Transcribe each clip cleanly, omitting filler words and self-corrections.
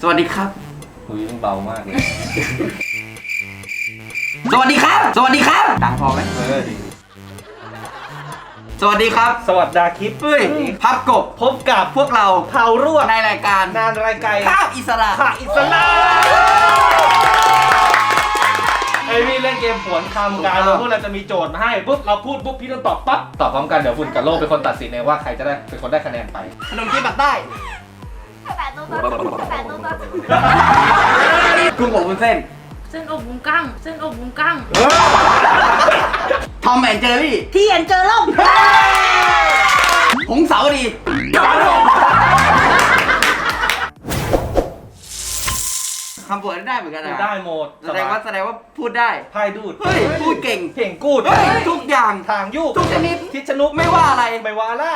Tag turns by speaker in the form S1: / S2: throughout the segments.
S1: สวัสดีครับ
S2: คุยเบามากเลย
S1: สวัสดีครับสวัสดีครับดังพอไหม
S2: ดี
S1: สวัสดีครับ
S2: สวัสดีคลิป
S1: เฮ้ยพับกบ
S2: พบกับ
S1: พวกเรา
S2: เผารั่ว
S1: ในรายการ
S2: นานรายการ
S1: ข้าวอิสระ
S2: ไอพี่เล่นเกมผวนคำกันพวกเราจะมีโจทย์มาให้ปุ๊บเราพูดปุ๊บพี่ต้องตอบปั๊บตอบพร้อมกันเดี๋ยวฝุ่นกับโลกเป็นคนตัดสินเองว่าใครจะได้เป็นคนได้คะแนนไป
S1: ขนมจีนปักใต้กุ้งอบวุ้นเส้น
S3: เส้นอบวุ้นกั้งเส้นอบวุ้นกั้ง
S1: ทอมแอนเจอรี่
S3: ที่เอ็นเจอร่ม
S1: หงสาวดีคำผวนได้เหมือนกันนะ
S2: ได้หมด
S1: แสดงว่าพูดได้
S2: พายดูด
S1: เฮ้ยพูดเก่ง
S2: เก่งกูด
S1: ทุกอย่าง
S2: ทางยุก
S1: ทุกชนิด
S2: ทิศนุก
S1: ไม่ว่าอะไร
S2: ไม่ว่าล่ะ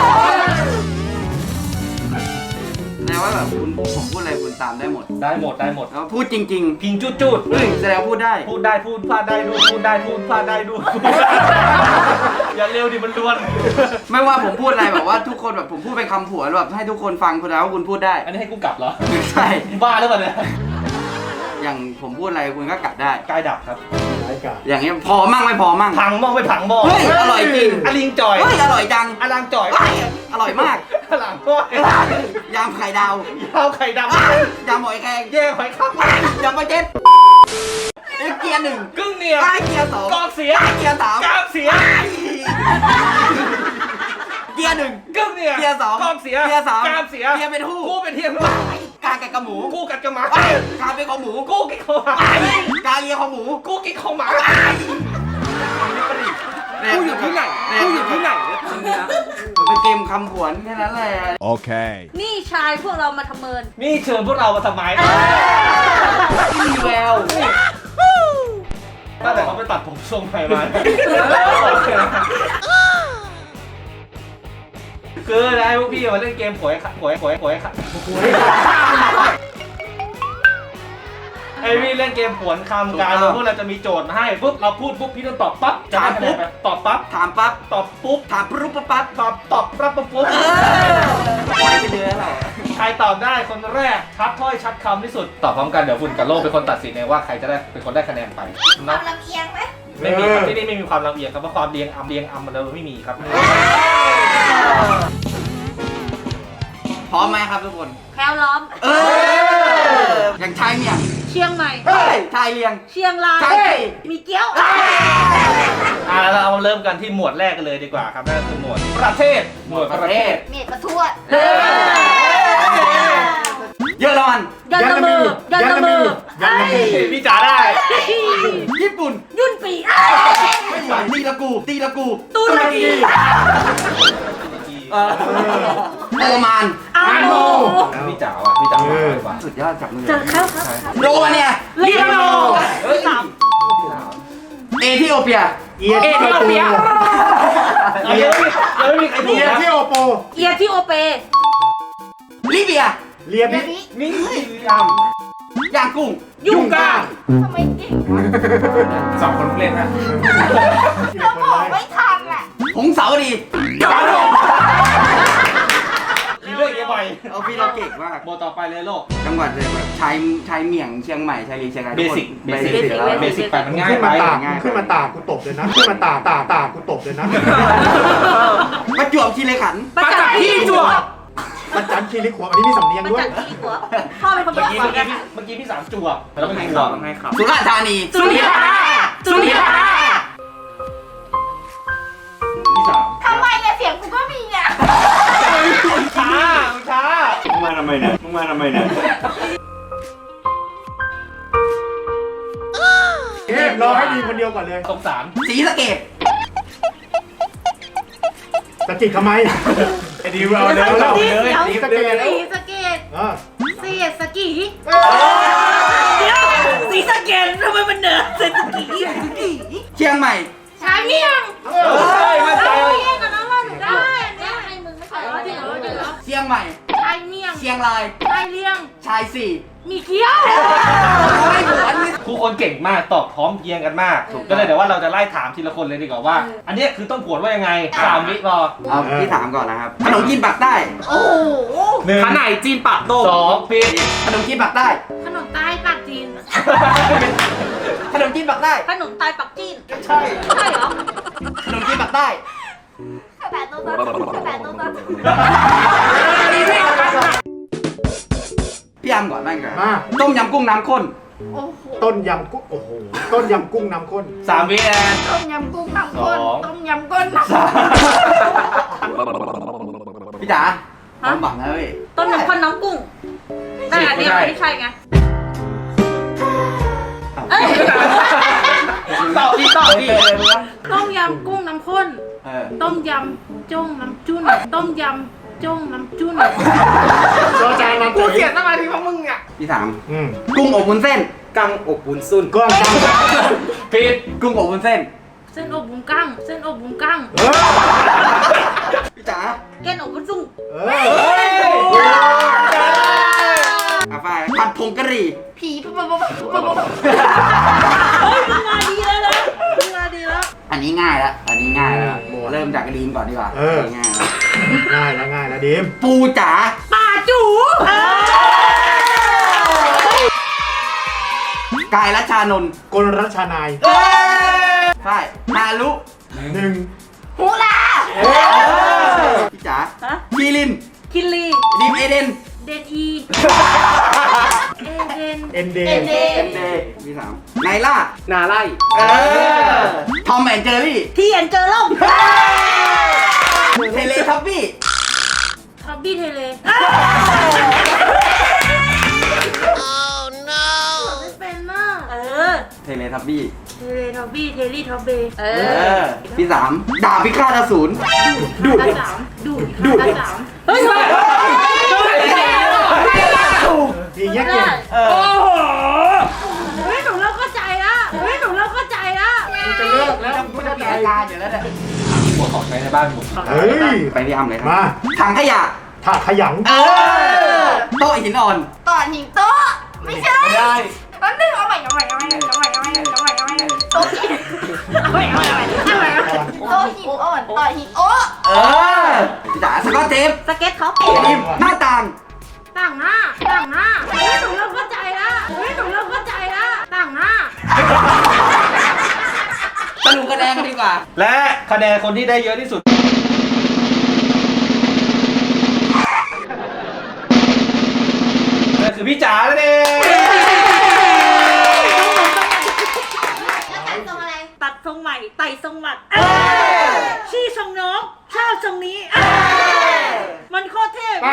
S1: แสดงว่าแบบผมพูดอะไรคุณตามได้หมดแล้วพูดจริง
S2: พิงจุด
S1: แสดงพูดได้
S2: พูดพลาดได้ดูพูดพลาดได้ดูอย่าเร็วดิมันล้วน
S1: ไม่ว่าผมพูดอะไรแบบว่าทุกคนแบบผมพูดเป็นคำผวนแบบให้ทุกคนฟังคุณแล้วว่าคุณพูดได้
S2: อันนี้ให้กูกลับเหรอ
S1: ใช่
S2: บ้าหรือเปล่าเนี่ย
S1: อย่างผมพูดอะไรคุณก็กลับได้
S2: กายดับครับ
S1: อย่างเงี้ยพอมั่งไม่พอมั่ง
S2: พังหม้อไม่พังหม้อ
S1: เฮ้ยอร่อยจริง
S2: อลิงจ่อย
S1: เฮ้ยอร่อยจัง
S2: อลังจ่อย
S1: อร่อยมาก
S2: อลังก้อย
S1: ยำไข่ดาวย
S2: ำไข่ดาวย
S1: ำหอยแครง
S2: แย่หอยข้าวย
S1: ำปลาเจ็ดเกียร์หนึ่ง
S2: กึ่งเนี่ย
S1: เกียร์สอง
S2: กองเสีย
S1: เกียร์สาม
S2: กราบเสีย
S1: เกียร์หนึ่ง
S2: กึ่งเนี่ย
S1: เกียร์สอง
S2: กองเสีย
S1: เกียร์สาม
S2: กราบเสีย
S1: เกียร์เป็นหู้
S2: กูเป็นเทียม
S1: กากัดกระหมู
S2: กูกัดกระหมา
S1: การเป็นของหมู
S2: กูกินของหมาก
S1: าเลียของหมู
S2: กูกินของหมา
S1: กูอยู่ที่ไหนมันเป็นเกมคำผวนแค่นั้นแหละ
S4: โอเค
S3: นี่ชายพวกเรามาทำเมิน
S2: นี่เชิญพวกเรามาทำไม
S1: มีแวว
S2: ตั้งแต่เขาไปตัดผมทรงใหม่มาคืออะไรพวกพี่มาเล่นเกมหวยไอพี่เล่นเกมผวนคำกันพวกเราจะมีโจทย์มาให้ปุ๊บเราพูดปุ๊บพี่ต้องตอบปั๊บ
S1: ถามปุ๊บ
S2: ตอบปั๊บ
S1: ถามปั๊บ
S2: ตอบปุ๊บ
S1: ถามปุ๊บปั๊บ
S2: ตอบปั๊บปุ๊บ
S1: ไปเรื่อยแล้ว
S2: ใครตอบได้คนแรกชัดถ้อยชัดคำที่สุดตอบพร้อมกันเดี๋ยวฝุ่นกับโลกเป็นคนตัดสินเองว่าใครจะได้เป็นคนได้คะแนนไป
S3: ความลำเอียงไหม
S2: ไม่มีครับที่นี่ไม่มีความลำเอียงครับเพราะความเรียงอำมันเราไม่มีครับ
S1: พร้อมไหมครับทุกคน
S3: แคลล้อม
S1: อย่างชายเมียง
S3: เชียงใหม่
S1: ชายเลียง
S3: เชียงรายมีเกี้ยว
S2: เราเอาเริ่มกันที่หมวดแรกกันเลยดีกว่าครับนั่นคือหมวดประเทศ
S1: เม
S3: ดประทวด
S1: เยอรมัน
S3: ยันละมือ
S2: พี่จ๋าได้
S1: ญี่ปุ่น
S3: ยุ่นปี
S1: ตีละกู
S3: ตุรกี
S1: โอมาน
S3: อาโม
S2: พี่จ๋าว่ะพี่จ๋าว่ะ
S1: สุดยอดจับมือ
S3: เจอครับ
S1: โรมาเนีย
S3: ลีโน
S1: เอธิโอเปีย
S2: เดี๋ยวไม่มีใครถูกนะ
S3: เอียธิโอเป
S1: ลิเบีย
S2: เลียบินี่
S1: ย่างกุ้ง
S3: ยุ่งก้างทำไมเก่ง
S2: สองคนเล่นนะ
S3: เราบอกไม่ทันอ่ะ
S1: หงสาวดี
S2: มีเรื่องเยอะไป
S1: เอาพี่เราเก่งมาก
S2: โมต่อไปเลยโลก
S1: จังหวัดเลยแบบชายเมียงเชียงใหม่ชายลีเชียงราย
S2: เบสิกไปมันง่ายไป
S5: ขึ้นมาตากกูตบเลยนะขึ้นมาตากกูตบเลยนะ
S1: ประจวบคีรีขันธ์
S3: ประจักษ์ที่จวบ
S5: ประจันคีรีขวบอันนี้มีสำเนียงด้วย
S3: ประจักษ์ที่ขวบพ่อเป็นคนเ
S2: มื่อกี้พี่สามจวบแล้วเป็นขวบ
S1: สุราษฎร์ธานี
S3: สุริยา
S2: พี่สาม
S3: ทำไมเนี่ยเสียงกูก็มีเนี่ย
S2: ช้า
S5: มึงมาทำไมเนี่ยรอให้ดีคนเดียวก่อนเลย
S2: สงสาร
S1: ศรีสะเกษ
S5: สะกิดทำไมไอ้ดีเราแล้ว
S3: ศรีสะเกษเสียสกีเดี๋ยวศรีสะเกษทำไมมันเหนือเศรษฐกิจ
S1: เชียงใหม่
S3: ชายเมียง
S2: มั่นใจ
S3: เมียงกับน้องว่าหนูได้อันนี้ให้มึงไม่ใช่เหรอ
S1: เชียงใหม่
S3: ชายเมียง
S1: เชียงราย
S3: ชายเลียง
S1: ชายายสี่
S3: มีเกี้ยว
S1: ไม่หวน
S2: ทุกคนเก่งมากตอบพร้อมเพรียงกันมาก ก็เลยเดี๋ยวว่าเราจะไล่ถามทีละคนเลยดีกว่าว่า อันเนี้ยคือต้องผวนว่ายังไง3 วิพอ
S1: เอาพี่ถามก่อนนะครับขนมจีนปากใต้
S3: โอ้โห
S2: 1
S4: ขนายจีนปากโต
S2: 2ปิด
S1: ขนมจีนปากใต้
S3: ขนมใต้ปากจีน
S1: ขนมจีนปากใต้
S3: ขนมใต้ปักจีน
S1: ใช่
S3: ใช่เหรอ
S1: ขนมจีนปากใต้
S3: ข้าวแปดตัวข้าวแปดตัว
S1: พี่อามก่อนบ้างครับ
S5: มา
S1: ต้มยำกุ้งน้ำข้น
S3: โอ้โห
S5: ต้นยำกุ้งโอ้โหต้นยำกุ้งน้ำข้น
S2: 3 วิแอน
S3: ต้มยำกุ้งน้ำข้น
S2: สอง
S3: ต้มยำก้นน้ำ
S1: พี่จ๋าความหวังนะเว้ย
S3: ต้มยำข้นน้ำกุ้งแต่อันนี้ไม่ใช่ไงเอ้ย
S4: ตอบดี
S3: ต้มยำกุ้งน้ำข้น
S1: เออ
S3: ต้มยำจ้งน้ำจุ้นต้มยำจ้งน้ำจุ้น
S5: จอจานมา
S4: กูเสียสมาธิเพราะมึงอ่ะ
S1: พี่ถาม
S5: อืม
S1: กุ้งอบวุ้นเส้น
S4: กังอกบุญซุน
S5: ก้อนจัง
S2: ปิด
S1: กุ้งอบวุ้นเส้น
S3: เส้นอบบุ้งกั้งเส้นอบบุ้งกั้ง
S1: พี่จ๋า
S3: แกนอบบุ้งซุ่ง
S5: เออ
S1: อาฝ้ายผัดผงกะหรี่
S3: ผีปุ๊บปุ๊บปุ๊บปุ๊บเฮ้ยมึงมาดีแล้วนะมึงมาดีแล้ว
S1: อันนี้ง่ายแล้วอันนี้ง่ายแล้วเริ่มจากลีนก่อนดีกว่าง่ายแล้ว
S5: ง่ายแล้วง่ายแล้วดิม
S1: ปูจ๋า
S3: ป่าจู
S1: กายรัชชานนท์
S5: กลรัชนาย
S1: ใช่ฮารุ
S5: 1
S3: ฮูลา
S1: พี่จ๋า
S3: ฮะ
S1: คีริน
S3: คิลลี
S1: ดีมเอเดน
S3: เดนอีเอเดน
S5: เอ็นเด
S3: เอ็นเด
S1: เอ็มเดย์พี่สามไนล่า
S4: นาไล่
S1: ทอมแอนเจอรี่
S3: ที่เอ็นเจอร่ม
S1: เทเลทับบี้
S3: ท็อบบี้เทเลไม่เป็นน่ะ
S1: เทเลทับบี้
S3: เทเลท็อบบี้เทลี่ท็อบเบ
S1: พี่สามดาบพิฆาตอสูร
S3: ดูดสามดูดสามเฮ้ย
S5: ดีเงี้ยเก่ง
S3: เฮ้ยหนูเริ่มเข้าใจละเฮ้ยหนูเริ่มเข้าใจละ
S5: จะเลิกแล้ว
S1: ไม่ต้องมีอาการอยู่แล้วเนี่ย
S2: หัวของใช้ในบ้านผม
S5: เฮ้ย
S1: ไปพี่อ้ำเลยครั
S5: มา
S1: ถังขยะ
S5: ถาดขยัง
S1: โต๊ะหินอ่อน
S3: ต่อหิงโต๊ะไม่ใช่
S1: ไม่ได้
S3: แป๊บนึงเอาใหม่โต๊ะหินเอาใหม่โต๊ะหินอ่อนต่อหินโอ้
S1: พี่จ๋าสกอตเทป
S3: สเก็ตท็อป
S1: ทีมหน้าต่าง
S3: ต่างหน้าเฮ้ยหนูเริ่มเข้าใจละต่างหน้า
S1: สรุปคะแนนกันดีกว่า
S2: และคะแนนคนที่ได้เยอะที่สุดนั่นคือพี่จ๋าแล้วเอง
S3: ตัดทรงใหม่ไต่ทรงหมัดชี้ทรงน้องชอบทรงนี้มันโคตรเทพ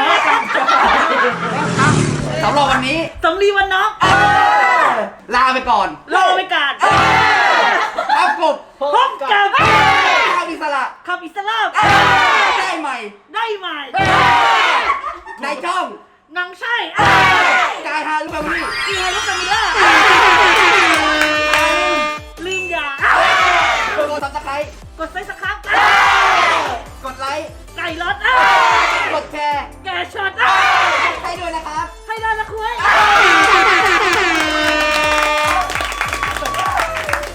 S1: สำหรับวันนี้
S3: สมรีวันน้อง
S1: ลาไปก่อน
S3: รอไปก่อน
S1: ครับกบ
S3: พบกับ
S1: ข้าวอิสระ
S3: คำอิสลาม
S1: ได้ใหม่
S3: ได้ใหม่
S1: ในช่อง
S3: นางใช่
S1: กายฮารุบามี่
S3: เกียร์ลูกคามิล่าลิงยาก
S1: ดซับสไครต์
S3: กดไซส์สักครั้ง
S1: กดไลค์
S3: ไก่รถ
S1: กดแชร์
S3: แกช็อต
S1: ให้ด้วยนะครับ
S3: ให้ได้ละคุย